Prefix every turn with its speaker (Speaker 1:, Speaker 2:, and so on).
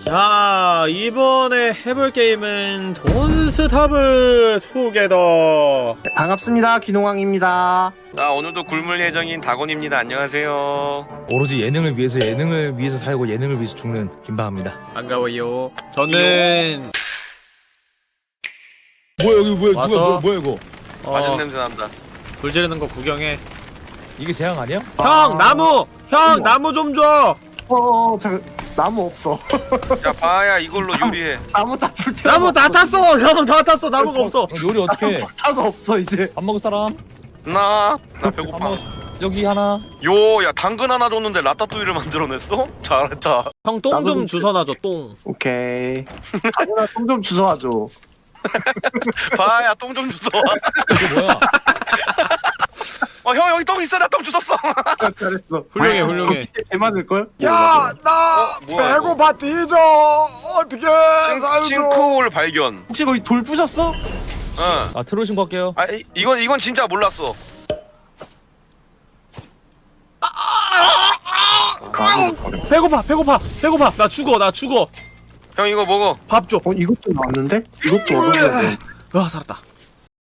Speaker 1: 자, 이번에 해볼 게임은 돈스타브 투게더.
Speaker 2: 반갑습니다. 기농왕입니다.
Speaker 3: 자, 오늘도 굶을 예정인 다곤입니다. 안녕하세요.
Speaker 4: 오로지 예능을 위해서 살고 예능을 위해서 죽는 김바합니다.
Speaker 1: 반가워요. 저는
Speaker 4: 뭐야 여기 뭐야
Speaker 1: 와서?
Speaker 4: 뭐야 이거?
Speaker 3: 맛있는 냄새 난다.
Speaker 1: 불 지르는 거 구경해.
Speaker 4: 이게 재앙 아니야?
Speaker 1: 형, 나무! 형, 나무 좀 줘!
Speaker 2: 잠깐 나무 없어.
Speaker 3: 야, 바야 이걸로 요리해.
Speaker 2: 나무 다 불태.
Speaker 1: 나무 다 탔어! 나무 다 탔어! 나무가 없어!
Speaker 4: 요리 어떻게?
Speaker 2: 타서 없어 이제.
Speaker 4: 밥 먹을 사람?
Speaker 3: 나
Speaker 4: 밥
Speaker 3: 배고파.
Speaker 4: 먹. 여기 하나.
Speaker 3: 요, 야, 당근 하나 줬는데 라따뚜이를 만들어냈어? 잘했다.
Speaker 1: 형, 똥
Speaker 2: 나도
Speaker 1: 좀
Speaker 2: 좀
Speaker 1: 주워놔줘, 똥.
Speaker 2: 오케이. 다현아 좀 주워와줘.
Speaker 3: 바야 똥 좀 주워.
Speaker 4: 이게 뭐야?
Speaker 3: 형 여기 똥 있어. 나 똥 주웠어.
Speaker 2: 잘했어.
Speaker 1: 훌륭해, 훌륭해.
Speaker 2: 개 많을걸?
Speaker 1: 야, 나
Speaker 3: 뭐야,
Speaker 1: 배고파 뒤져! 어떡해!
Speaker 3: 싱크홀 발견.
Speaker 2: 혹시 거기 돌 부셨어?
Speaker 3: 응.
Speaker 4: 아 트롤 신고할게요.
Speaker 3: 아, 이건 진짜 몰랐어.
Speaker 1: 배고파! 나 죽어!
Speaker 3: 형 이거 먹어.
Speaker 1: 밥 줘!
Speaker 2: 이것도 나왔는데? 이것도 얻어야 돼.
Speaker 1: 와, 살았다.